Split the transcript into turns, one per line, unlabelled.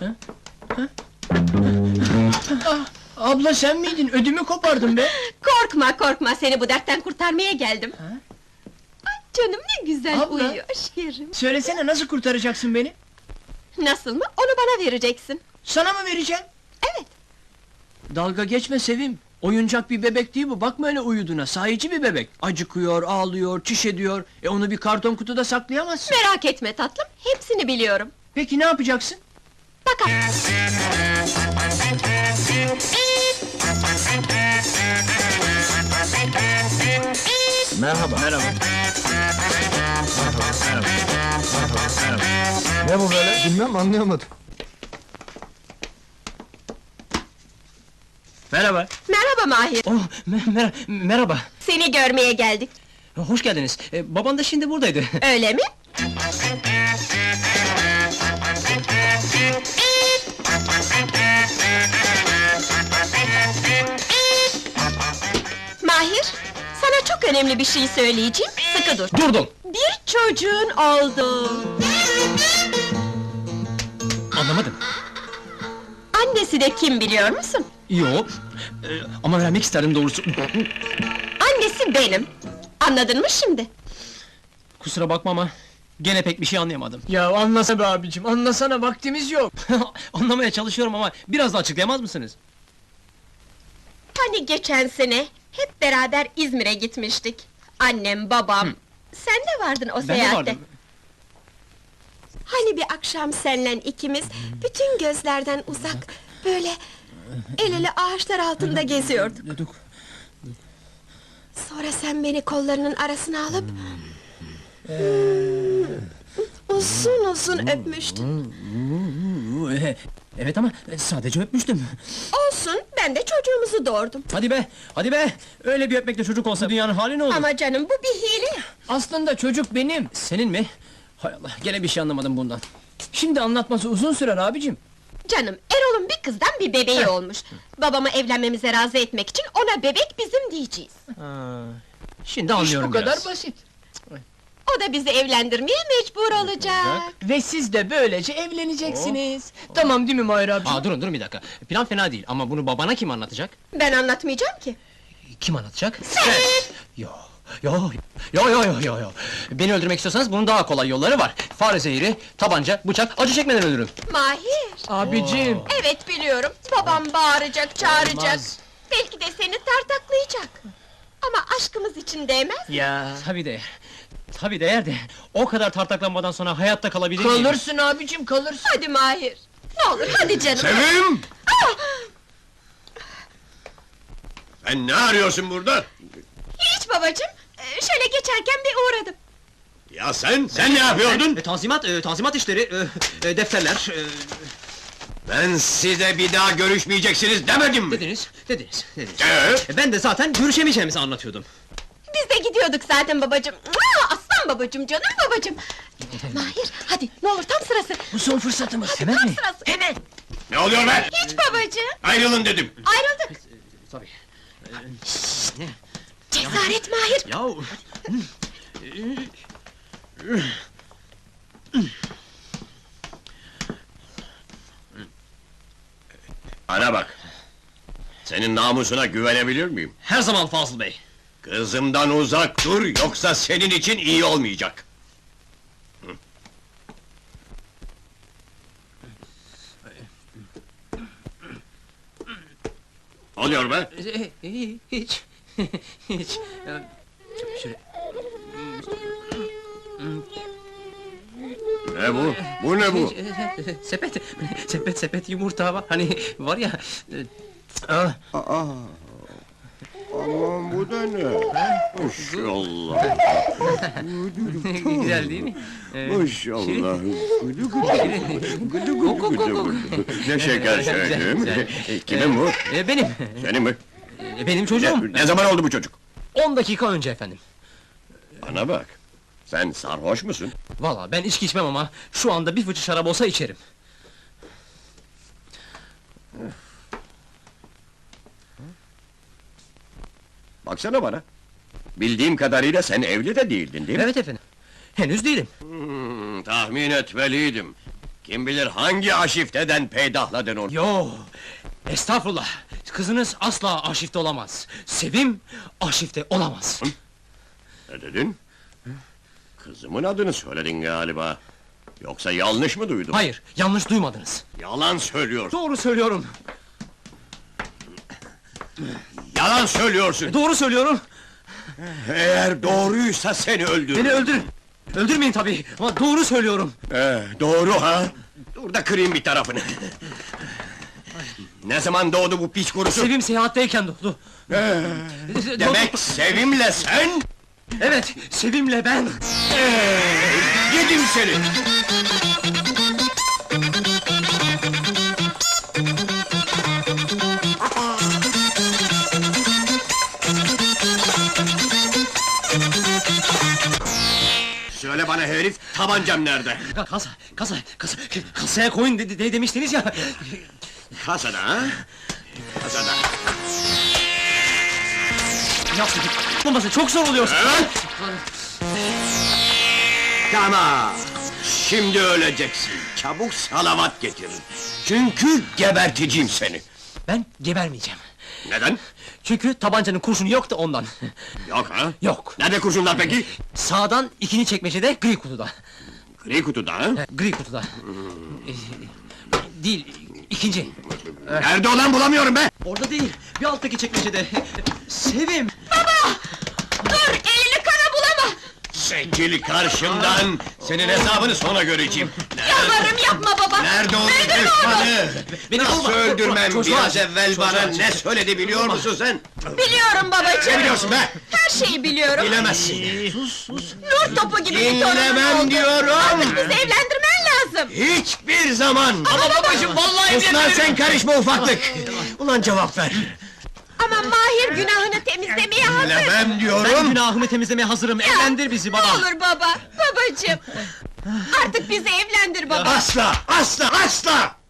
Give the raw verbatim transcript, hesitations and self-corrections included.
Ah, abla sen miydin? Ödümü kopardın be!
Korkma korkma, seni bu dertten kurtarmaya geldim.
Ha?
Ay canım ne güzel
Abla!
uyuyor şekerim.
Söylesene, nasıl kurtaracaksın beni?
Nasıl mı? Onu bana vereceksin.
Sana mı vereceğim?
Evet.
Dalga geçme Sevim! Oyuncak bir bebek değil bu, bakma öyle uyuduğuna, sahici bir bebek! Acıkıyor, ağlıyor, çiş ediyor, e onu bir karton kutuda saklayamazsın!
Merak etme tatlım, hepsini biliyorum.
Peki ne yapacaksın?
Bak.
Merhaba.
Merhaba!
Ne bu böyle? Bilmem, anlayamadım.
Merhaba!
Merhaba Mahir,
Oh, me- mer- merhaba.
seni görmeye geldik.
Hoş geldiniz. Ee, baban da şimdi buradaydı.
Öyle mi? Mahir, sana çok önemli bir şey söyleyeceğim, sıkı dur.
Durdum.
Bir çocuğun oldu.
Anlamadım.
Annesi de kim biliyor musun?
Yok. Ee, ama vermek isterdim doğrusu.
Annesi benim. Anladın mı şimdi?
Kusura bakma ama gene pek bir şey anlayamadım.
Ya anlasana be abicim, anlasana, vaktimiz yok!
Anlamaya çalışıyorum ama biraz da açıklayamaz mısınız?
Hani geçen sene hep beraber İzmir'e gitmiştik. Annem, babam, sen de vardın o
Ben de
seyahatte.
vardım.
Hani bir akşam senle ikimiz, bütün gözlerden uzak, böyle el ele ağaçlar altında geziyorduk.
Dedik.
Sonra sen beni kollarının arasına alıp... uzun uzun öpmüştün.
Ee, Evet ama sadece öpmüştüm.
Olsun, ben de çocuğumuzu doğurdum.
Hadi be, hadi be! Öyle bir öpmekle çocuk olsa dünyanın hali ne olur?
Ama canım, bu bir hile.
Aslında çocuk benim!
Senin mi? Hay Allah, gene bir şey anlamadım bundan.
Şimdi anlatması uzun sürer abicim!
Canım, Erol'un bir kızdan bir bebeği olmuş. Babamı evlenmemize razı etmek için ona bebek bizim diyeceğiz.
Ha, şimdi
İş
anlıyorum
bu kadar
biraz.
basit!
O da bizi evlendirmeye mecbur olacak.
Ve siz de böylece evleneceksiniz! Tamam değil mi Mahir abicim?
Aa, durun durun bir dakika. Plan fena değil ama bunu babana kim anlatacak?
Ben anlatmayacağım ki.
Kim anlatacak?
Sen!
Yo, yo, yo, yo, yo, yo, yo. Beni öldürmek istiyorsanız bunun daha kolay yolları var. Fare zehri, tabanca, bıçak, acı çekmeden ölürüm.
Mahir!
Abicim!
Evet biliyorum, babam bağıracak, çağıracak.
Olmaz.
Belki de seni tartaklayacak. Ama aşkımız için değmez.
Ya!
Tabii değer. Tabii değer de, o kadar tartaklanmadan sonra hayatta kalabilir miyim?
Kalırsın abicim, kalırsın!
Hadi Mahir! Ne olur, hadi canım!
Sevim!
Ah!
Sen ne arıyorsun burada?
Hiç babacığım, ee, şöyle geçerken bir uğradım.
Ya sen, sen ne yapıyordun?
E, tanzimat, e, tanzimat işleri, e, e, defterler, e,
Ben size bir daha görüşmeyeceksiniz demedim mi?
dediniz, dediniz, dediniz.
Evet.
E, ben de zaten görüşemeyeceğimizi anlatıyordum.
Biz de gidiyorduk zaten babacığım. Mua! Aslan babacığım, canım babacığım! Mahir, hadi ne olur tam sırası!
Bu son fırsatımız!
Hemen
Tam
mi?
sırası!
Hemen!
Ne oluyor be?
Hiç babacığım!
Ayrılın dedim.
Ayrıldık!
Tabii.
Cesaret Mahir!
Yahu!
Bana bak. Senin namusuna güvenebilir miyim?
Her zaman Fazıl Bey.
Kızımdan uzak dur, yoksa senin için iyi olmayacak. Ne oluyor be?
E, e, hiç, hiç. Ya, şöyle,
Ne bu? Bu ne bu?
hiç, e, e, sepet, sepet, sepet yumurta var, hani var ya... E, ah,
Aa, aman bu da ne? Maşallah.
güzel değil mi? E,
Maşallah. Gıdı gıdı gıdı gıdı gıdı gıdı. Ne şeker
Güzel,
söyledim.
güzel.
E, Kimin bu?
e, benim,
Senin mi?
e, benim çocuğum.
Ne, ne zaman oldu bu çocuk?
On dakika önce efendim.
Bana bak. Sen sarhoş musun?
Vallahi ben içki içmem ama şu anda bir fıçı şarap olsa içerim.
Baksana bana. Bildiğim kadarıyla sen evli de değildin değil mi?
Evet efendim. Henüz değilim.
Hmm, tahmin etmeliydim. Kim bilir hangi aşifteden peydahladın onu?
Yo, estağfurullah. Kızınız asla arşivde olamaz. Sevim, arşivde olamaz.
Ne dedin? Kızımın adını söyledin galiba. Yoksa yanlış mı duydum?
Hayır, yanlış duymadınız.
Yalan söylüyorsun.
Doğru söylüyorum.
Yalan söylüyorsun.
Doğru söylüyorum.
Eğer doğruysa seni öldürürüm.
Beni öldürün. Öldürmeyin tabii, ama doğru söylüyorum.
Ee, doğru ha? Dur da kırayım bir tarafını. Ne zaman doğdu bu piç kurusu?
Sevim seyahatteyken doğdu.
Ee, demek Sevim'le sen?
Evet, Sevim'le ben.
Ee, yedim seni! Söyle bana herif, tabancam nerede?
Kasa, kasa, kasa, kasaya koyun de, de, demiştiniz ya.
Kasada ha? Kasada.
Yapmayın, olması çok zor oluyor.
Evet. Tamam. Şimdi öleceksin. Çabuk salavat getir. Çünkü geberteceğim seni.
Ben gebermeyeceğim.
Neden?
Çünkü tabancanın kurşunu yok da ondan.
Yok ha?
Yok.
Nerede kurşunlar peki?
Sağdan ikinci çekmecede, gri kutuda.
Gri kutuda ha?
He, gri kutuda. Ee, değil, ikinci.
Nerede olan bulamıyorum be!
Orada değil, bir alttaki çekmecede. Sevim!
Dur, elini kana bulama!
Çekil karşımdan! Senin hesabını sonra göreceğim.
Yalvarırım yapma baba!
Nerede o
Öldürme onu!
düşmanı?
Beni
Nasıl
bulma!
öldürmem?
Çocuğa
Biraz
acı,
evvel
çocuğa
bana
acı.
ne söyledi biliyor musun sen?
Biliyorum babacığım!
Ne biliyorsun be?
Her şeyi biliyorum!
Bilemezsin.
Nur topu gibi bir torunun
Dinlemem
oldu!
diyorum!
Artık bizi evlendirmen lazım!
Hiçbir zaman!
Ama babacığım,
vallahi
Sus lan sen karışma ufaklık! Ulan cevap ver!
Ama Mahir günahını temizlemeye hazır!
Bilemem
Ben
diyorum!
günahımı temizlemeye hazırım, evlendir bizi baba!
Ne olur baba, babacığım! Artık bizi evlendir baba!
Asla! Asla! Asla!